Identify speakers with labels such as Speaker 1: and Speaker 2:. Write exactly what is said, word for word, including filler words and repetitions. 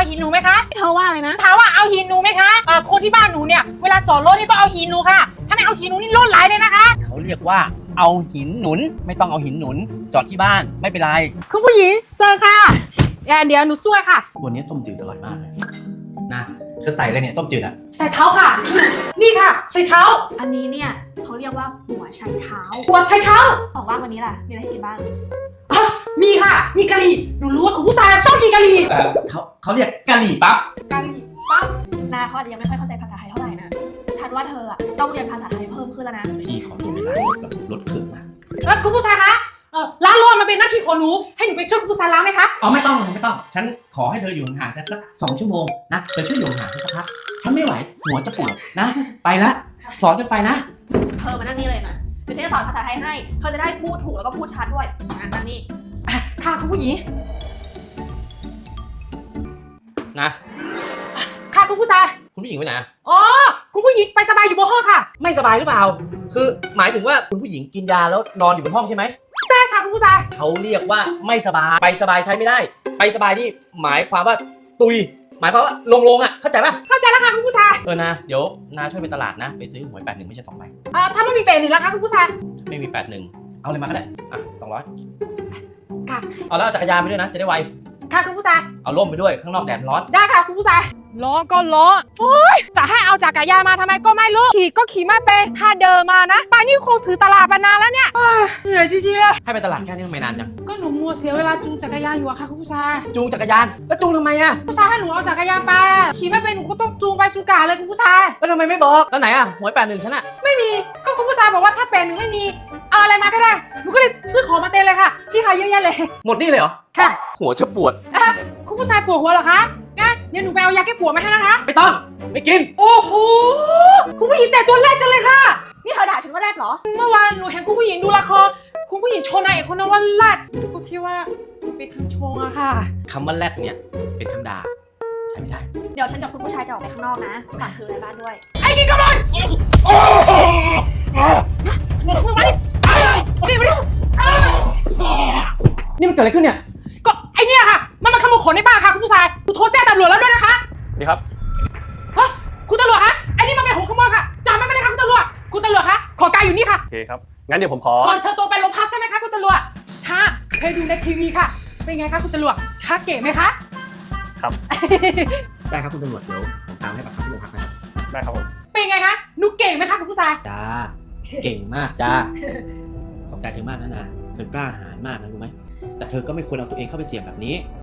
Speaker 1: หินหนูไหมคะ
Speaker 2: เธอว่าอะไรนะ
Speaker 1: ถามว่าเอาหินหนูไหมคะอ่าคนที่บ้านหนูเนี่ยเวลาจอดรถนี่ต้องเอาหินหนูค่ะถ้าไม่เอาหินหนูนี่รถไหลเลยนะคะ
Speaker 3: เขาเรียกว่าเอาหินหนุนไม่ต้องเอาหินหนุน จอดที่บ้านไม่เป็นไร
Speaker 1: คุณผู้หญิงเซอร์ค่ะเดี๋ยวเดี๋ยวหนูช่วยค่ะ
Speaker 3: วันนี้ต้มจืดอร่อยมากเลยนะเธอใส่อะไรเนี่ยต้มจืดอะ
Speaker 1: ใส่เท้าค่ะ นี่ค่ะใส่เท้า
Speaker 2: อันนี้เนี่ยเขาเรียกว่าหัวไชเท้า
Speaker 1: หัวใส่เท้า
Speaker 2: ของว่างวันนี้ล่ะ มีอะไรให้กินบ้าง
Speaker 1: อ่ะมีค่ะ มีกะหรี่หนูรู้ว่าคุณผู้ชายชอบกินกะหรี่
Speaker 3: เออเขาเขาเรียกกะหรี่ปั๊บ
Speaker 1: กะหรี่ปั๊บ
Speaker 2: นาเขาอาจจะยังไม่ค่อยเข้าใจภาษาไทยเท่าไหร่นะ ฉันว่าเธออะต้องเรียนภาษาไทยเพิ่มขึ้นแล้วนะ
Speaker 3: พี่ขอตัวเวลากับรถถึงมา
Speaker 1: เออคุณผู้ชายคะเออล้างรถมันเป็นหน้าที่ของหนูให้หนูไปช่วยคุณผู้ชายล้างไหมคะ
Speaker 3: อ๋อไม่ต้องไม่ต้อง ฉันขอให้เธออยู่ห่างๆฉันสักสองชั่วโมงนะเธอช่วยอยู่ห่างๆฉันสักพักฉันไม่ไหวหัวจะปวดนะ ไปละสอนกันไปนะ
Speaker 2: เธอมานั่งนี่เลยนะเดี๋ยวฉันจะสอนภาษาไทยให้ เธอจะได้พูดถูกแล้วก็พูดชัดด้วยอ่ะนั่งนี่
Speaker 1: อ่ะค่ะคุณผู้หญิง
Speaker 3: นะ
Speaker 1: ค่ะคุณผู้ชาย
Speaker 3: คุณผู้หญิงไปไหนอะ
Speaker 1: อ๋อคุณผู้หญิงไปสบายอยู่บนห้องค่ะ
Speaker 3: ไม่สบายหรือเปล่า คือหมายถึงว่าคุณผู้หญิงกินยาแล้วนอนอยู่บนห้องใช่ไหม
Speaker 1: ใช่ค่ะคุณผู้ชาย
Speaker 3: เขาเรียกว่าไม่สบายไปสบายใช้ไม่ได้ ไปสบายนี่หมายความว่าตุย หมายความว่าลงๆอ่ะเข้าใจป่ะ
Speaker 1: เข้าใจแล้วค่ะคุณผู้ชาย
Speaker 3: เออนะเดี๋ยวนาช่วยไปตลาดนะ ไปซื้อหวยแปดหนึ่งไม่ใช่สองใบ
Speaker 1: อ่าถ้าไม่มีเปรตหนึ่งแล้วคะคุณผู้ชาย
Speaker 3: ไม่มีแปดหนึ่งเอาเลยมาก็ได้อ่ะสองร้อย
Speaker 1: ค่ะ
Speaker 3: เอาแล้วเอาจักรยานไปด้วยนะจะได้ไว
Speaker 1: ค่ะคุณผู้ชาย
Speaker 3: เอาร่มไปด้วยข้างนอกแดดร้อน
Speaker 1: ได้ค่ะคุณผู้ชายล้อก็ล้อโอ้ยจะให้เอาจักรยานมาทำไมก็ไม่รู้ขี่ก็ขี่ไม่เป็นถ้าเดินมานะป่านนี้คงถือตลาดมานานแล้วเนี่ยเอ้ยเหนื่อยจริงๆเลย
Speaker 3: ให้ไปตลาดแค่นี้ทำไมนานจัง
Speaker 1: ก็หนูมัวเสียเวลาจูงจักรยานอยู่อะค่ะคุณผู้ชาย
Speaker 3: จูงจักรยานแล้วจูงทำไมอ่ะ
Speaker 1: ผู้ชายให้หนูเอาจักรยานไปอะขี่ไม่เป็นหนูก็ต้องจูงไปจูงกาเลยคุณผู้ชาย
Speaker 3: แล้วทำไมไม่บอกแล้วไหนอ่ะหวยแปดหนึ่งฉันอ่ะ
Speaker 1: ไม่มีก็คุณผู้ชายบอกว่าถ้าเป็นหนูไม่มีเอาอะไรมาก็ได้หนูก็เลยซื้อของมาเต็มเลยค่ะนี่ค่ะเยอะแยะเลย
Speaker 3: หมดนี่เลยเหรอ
Speaker 1: ค่ะ
Speaker 3: หัวจะปวด
Speaker 1: อ่ะคุณผู้ชายปวดหัวเหรอคะงั้นเดี๋ยวหนูไปเอายาแก้ปวดมาให้นะคะ
Speaker 3: ไม่ต้องไม่กิน
Speaker 1: โอ้โหคุณผู้หญิงแต่ตัวแรกจังเลยค่ะ
Speaker 2: นี่เธอด่าฉันว่าแรกเหรอ
Speaker 1: เมื่อวานหนูเห็นคุณผู้หญิงดูละครคุณผู้หญิงโชว์นายเอกคนนั้นว่าแรดกูคิดว่าเป็นคำชงอะค่ะ
Speaker 3: คำว่าแรดเนี่ยเป็นคำด่าใช้ไม่ได้
Speaker 2: เดี๋ยวฉันกับคุณผู้ชายจะออกไปข้างนอกนะ ฝากถืออะไรบ้านด้วย
Speaker 1: ไอ้นี่กำลังมาดิมาดิ
Speaker 3: นี่มันเกิดอะไรขึ้นเนี่ย
Speaker 1: ก็ไอเนี่ยค่ะ มันมาขโมยของในบ้านค่ะคุณผู้ชายกูโทรแจ้งตำรวจแล้วด้วยนะคะ
Speaker 4: ดีครับ
Speaker 1: ฮะคุณตำรวจคะไอ้นี่มันเป็นหัวขโมยค่ะจับมันไปเลยค่ะคุณตำรวจคุณตำรวจคะขอกายอยู่นี่ค่ะ
Speaker 4: โอเคครับ งั้นเดี๋ยวผมขอ
Speaker 1: ก่อนเชิญตัวไปโรงพักใช่ไหมคะคุณตำรวจช้าเคยดูในทีวีค่ะ เป็นไงคะคุณตำรวจช้าเก๋ไหมคะ
Speaker 4: ครับ
Speaker 3: ได้ครับคุณตำรวจเดี๋ยวผมตามให้ปากคำที่โรงพักนะครับ
Speaker 4: ได้ครับผม
Speaker 1: เป็นไงคะหนูเก่งไหมคะคุณผู้ชาย
Speaker 3: จ้าเก่งมากจ้าขอบใจเธอมากนะนะเธอกล้าหาญมากนะรู้ไหมแต่เธอก็ไม่ควรเอาตัวเองเข้าไปเสี่ยงแบบนี้